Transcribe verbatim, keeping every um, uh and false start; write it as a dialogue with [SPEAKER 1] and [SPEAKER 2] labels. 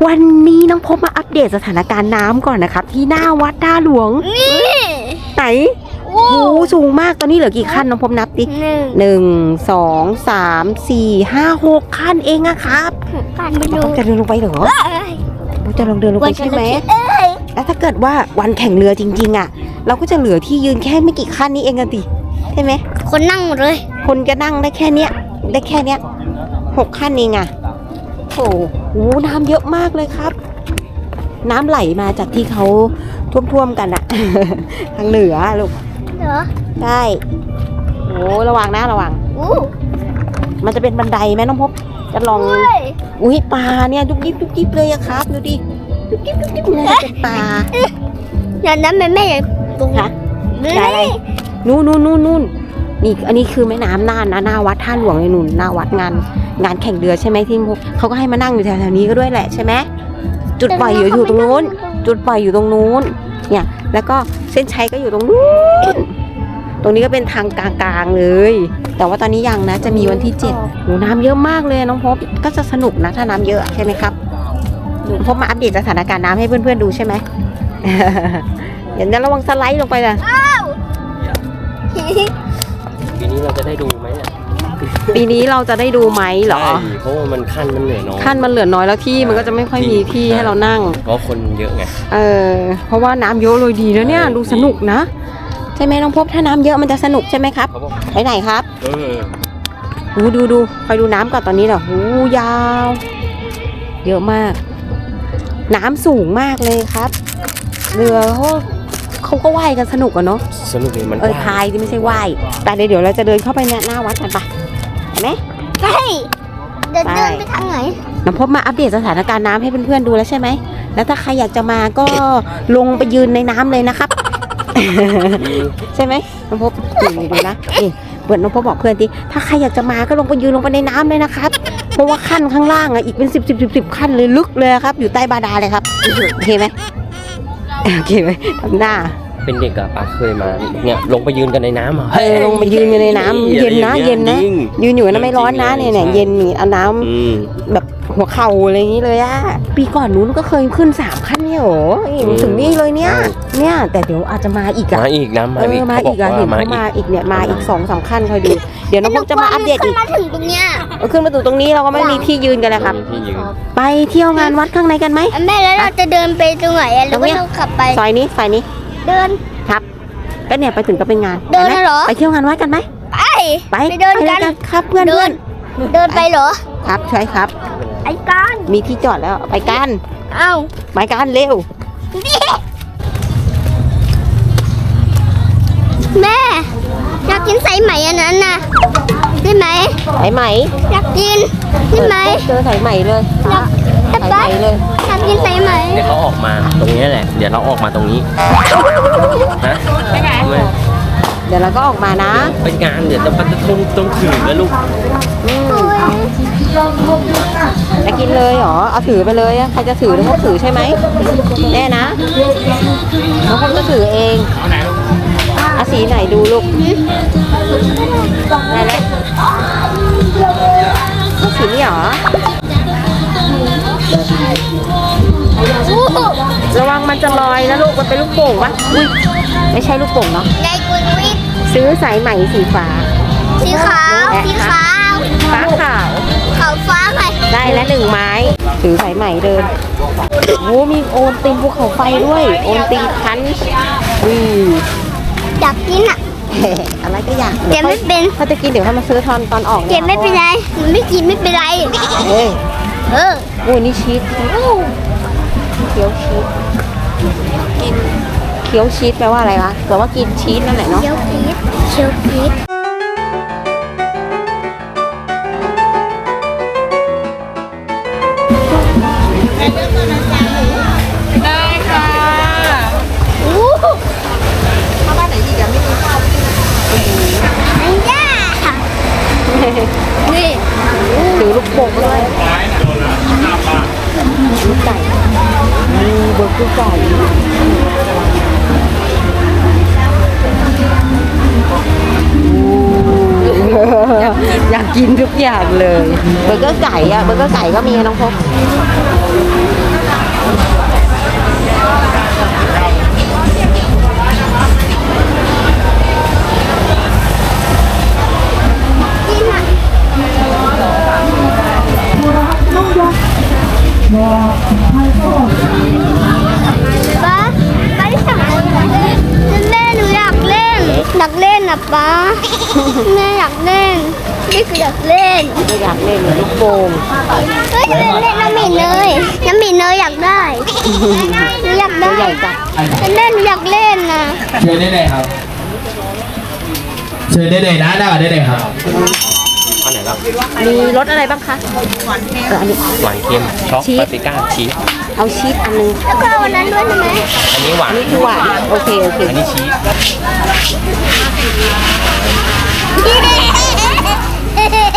[SPEAKER 1] วันนี้น้องพบมาอัปเดตสถานการณ์น้ำก่อนนะครับที่หน้าวัดท่าหลวงนี่ไหนโอ้โหสูงมากตอนนี้เหลือกี่ขั้นน้องพบนับดิหนึ่งสองสามสี่ห้าหกขั้นเองอะครับน้องพบจะเดินลงไปเหรอจะลองเดินลงไปใช่ไหมแล้วถ้าเกิดว่าวันแข่งเรือจริงๆอะเราก็จะเหลือที่ยืนแค่ไม่กี่ขั้นนี้เองกันดิใช่ไหม
[SPEAKER 2] คนนั่งหมดเลย
[SPEAKER 1] คนจะนั่งได้แค่เนี้ยได้แค่เนี้ยหกขั้นเองอะโอ้โหน้ำเยอะมากเลยครับน้ำไหลมาจากที่เขาท่วมๆกันอะทางเหนือลูก
[SPEAKER 2] เหรอ
[SPEAKER 1] ใช่โอ้ระวังนะระวังมันจะเป็นบันไดไหมน้องพบจะลองอุ้ยปลาเนี่ยดุ๊กดิ๊บดุ๊กดิ๊บเลยอะครับดูดิดุ๊กดิ๊บดุ๊กดิ๊บเลยเป็นปลา
[SPEAKER 2] อย่างนั้นแม่แม่
[SPEAKER 1] ตรงฮะอะไรนู่นนู่นนู่นนู่นนี่อันนี้คือแม่น้ำน่านนะหน้าวัดท่าหลวงเลยนู่นหน้าวัดงานงานแข่งเรือใช่ไหมที่เขาก็ให้มานั่งอยู่แถวๆนี้ก็ด้วยแหละใช่ไหมจุดปล่อยอยู่ตรงนู้นจุดปล่อยอยู่ตรงนู้นเนี่ยแล้วก็เส้นชัยก็อยู่ตรงนู้นตรงนี้ก็เป็นทางกลางๆเลยแต่ว่าตอนนี้ยังนะจะมีวันที่เจ็ดโหน้ำเยอะมากเลยน้องพบก็จะสนุกนะถ้าน้ำเยอะใช่ไหมครับน้องพบมาอัปเดตสถานการณ์น้ำให้เพื่อนๆดูใช่ไหมเดี๋ยวระวังสไลด์ลงไปนะ
[SPEAKER 3] ปีนี้เราจะได้ดูไหมเนี่ย
[SPEAKER 1] ปีนี้เราจะได้ดูไหมเหรอ
[SPEAKER 3] เพราะว่ามันขั้นมันเหลือน้อย
[SPEAKER 1] ขั้นมันเหลือน้อยแล้วที่มันก็จะไม่ค่อยมีที่ให้เรานั่ง
[SPEAKER 3] เพราะคนเยอะไง
[SPEAKER 1] เออเพราะว่าน้ำเยอะเลยดีแล้วเนี่ยดูสนุกนะใช่ไหมน้องพบถ้าน้ำเยอะมันจะสนุกใช่ไหมครับไปไหนครับเออดูดูดูคอยดูน้ำก่อนตอนนี้เหรอหูยาวเยอะมากน้ำสูงมากเลยครับเรือเขาเขาก็ว่ายกันสนุกอะเนาะ
[SPEAKER 3] สนุกเลยมัน
[SPEAKER 1] เออพายที่ไม่ใช่ว่ายแต่เดี๋ยวเราจะเดินเข้าไปเนี่ยหน้าวัดกันปะเห็นไหม
[SPEAKER 2] ใช่เดินเดินไปทางไหน
[SPEAKER 1] น้องพบมาอัปเดตสถานการณ์น้ำให้เพื่อนๆดูแล้วใช่ไหมแล้วถ้าใครอยากจะมาก็ลงไปยืนในน้ำเลยนะครับใช่ไหมน้องพบดูดูนะนี่เปิดน้องพบบอกเพื่อนทีถ้าใครอยากจะมาก็ลงไปยืนลงไปในน้ำเลยนะครับเพราะว่าขั้นข้างล่างอะอีกเป็นสิบสิบสิบสิบขั้นเลยลึกเลยครับอยู่ใต้บาดาลเลยครับโอเคไหมโอเคไหมทำหน้า
[SPEAKER 3] เป็นเด็กอะป้าเคยมาเนี่ยลงไปยืนกันในน้ำอ่ะ
[SPEAKER 1] เออลงไปยืนอยู่ในน้ำเย็นนะเย็นนะยืนอยู่นะไม่ร้อนนะเนี่ยเนี่ยเย็นนี่เอาน้ำแบบหัวเข่าอะไรอย่างนี้เลยอะปีก่อนนู้นก็เคยขึ้นสามขั้นเนี่ยโหถึงนี่เลยเนี่ยเนี่ยแต่เดี๋ยวอาจจะมาอีกอะ
[SPEAKER 3] มาอีกนะ
[SPEAKER 1] มาอีกมาอีกอะเห็นเขามาอีกเนี่ยมาอีกสองสามขั้นคอยดูเดี๋ยวน้องพวกจะมาอัปเดตอีก
[SPEAKER 2] มาถึงตรงเนี้ย
[SPEAKER 1] ขึ้นมาถึงตรงนี้เราก็ไม่มีที่ยืนกันเลยครับไปเที่ยวงานวัดข้างในกันไหม
[SPEAKER 2] แม่แล้วเราจะเดินไปตรงไหนแล้วก็ต้องขับไป
[SPEAKER 1] ซอยนี้ซอยนี้
[SPEAKER 2] เดิน
[SPEAKER 1] ครับก็เนี่ยไปถึงก็เป็นงาน
[SPEAKER 2] เดินเหรอ
[SPEAKER 1] ไปเที่ยวงานวัดกันไหม
[SPEAKER 2] ไปไปเดินกัน
[SPEAKER 1] ครับเพื่อนเดิน
[SPEAKER 2] เดินไปเหรอ
[SPEAKER 1] ครับใช่ครับ
[SPEAKER 2] ไอ้กัน
[SPEAKER 1] มีที่จอดแล้วไปกัน
[SPEAKER 2] เอ้า
[SPEAKER 1] ไปกันเร็ว
[SPEAKER 2] แม่อยากกินสายไหมอันนั้นน่ะได้ไหม
[SPEAKER 1] สายไหม
[SPEAKER 2] อยากกินได้ไหม
[SPEAKER 1] เจอสายไหมเลยสายไหมเลย
[SPEAKER 2] อยากกินสายไหม
[SPEAKER 3] เดี๋ยวเขาออกมาตรงนี้แหละเดี๋ยวเราออกมาตรงนี้นะ
[SPEAKER 2] ไปไหน
[SPEAKER 1] เดี๋ยวเราก็ออกมานะ
[SPEAKER 3] เป็นงานเดี๋ยวจะต้องต้องถือแล้วลูก
[SPEAKER 1] จะกินเลยเหรอเอาถือไปเลยใครจะถือน้องพบถือใช่ไหมแน่นะน้องพบจะถือเองเอาสีไหนดูลูกไหนเลยสีนี้เหรอระวังมันจะลอยนะลูกมันเป็นลูกโป่งปะอุ้ยไม่ใช่ลูกโป่งเนาะซื้อสายไหมสีฟ้า
[SPEAKER 2] สีขาวสีขาว
[SPEAKER 1] ฟ้าขาว
[SPEAKER 2] ขาวฟ้าไง
[SPEAKER 1] ได้แล้วหนึ่งไม้ถือสายไหมเดินโอ้มีโอนติงภูเขาไฟด้วยโอนติงคันอือ
[SPEAKER 2] อยากกินอ่ะ
[SPEAKER 1] อะไรก็อยาก
[SPEAKER 2] เดี๋ยวไม่เป็น
[SPEAKER 1] ถ้าจะกินเดี๋ยวให้มาซื้อตอนตอนออก
[SPEAKER 2] เดี๋ยวไม่เป็นไรไม่กินไม่เป็นไร
[SPEAKER 1] เออ
[SPEAKER 2] เออ
[SPEAKER 1] โอ้นี่ชีสเคี้ยวชีสกินเคี้ยวชีสแปลว่าอะไรวะแปลว่ากินชีสนั่นแหละเนาะ
[SPEAKER 2] เคี้ยวชีสเคี้ยวชีส
[SPEAKER 1] ได้ค่ะอู้ถ้าบ้านไหนอีกอะไม่มีข้าว
[SPEAKER 2] อันย่านี่
[SPEAKER 1] ถือลูกโป่งเลยลูกไก่มีเบอร์เกอร์ไก่อยากกินทุกอย่างเลยเบอร์เกอร์ไก่อะเบอร์เกอร์ไก่ก็มีน้องพบ
[SPEAKER 2] ป้าป้าที่สั่งอะไรแม่หนูอยากเล่นอยากเล่นนะป้าแม่อยากเล่นนี่คืออยากเล่น
[SPEAKER 1] ไม่อยากเล่นลูกโป่ง
[SPEAKER 2] เฮ้ยจะเล่นน้ำหมีเนยน้ำหมีเนยอยากได้หนูอยาก
[SPEAKER 1] ตั
[SPEAKER 2] ได้
[SPEAKER 1] วใหญ่จัง
[SPEAKER 2] แม่หนูอยากเล่นนะ
[SPEAKER 4] เชิญได้เลยครับ เชิญได้เลยนะหน้าได้เลยครับ
[SPEAKER 3] อันไหนครับ
[SPEAKER 1] มีรสอะไรบ้างคะเอออันนี้
[SPEAKER 3] หวานเค็มช็อก
[SPEAKER 1] ชีส
[SPEAKER 3] ปาปริก้าชีส
[SPEAKER 1] เอาชีสอันนึง
[SPEAKER 2] แล้วก็เอาอันนั้นด้วยใช่ไหม
[SPEAKER 3] อันนี้หวา
[SPEAKER 1] อั
[SPEAKER 3] น
[SPEAKER 1] นนี้คือหวานโอเคโอเค
[SPEAKER 3] อันนี้ชีส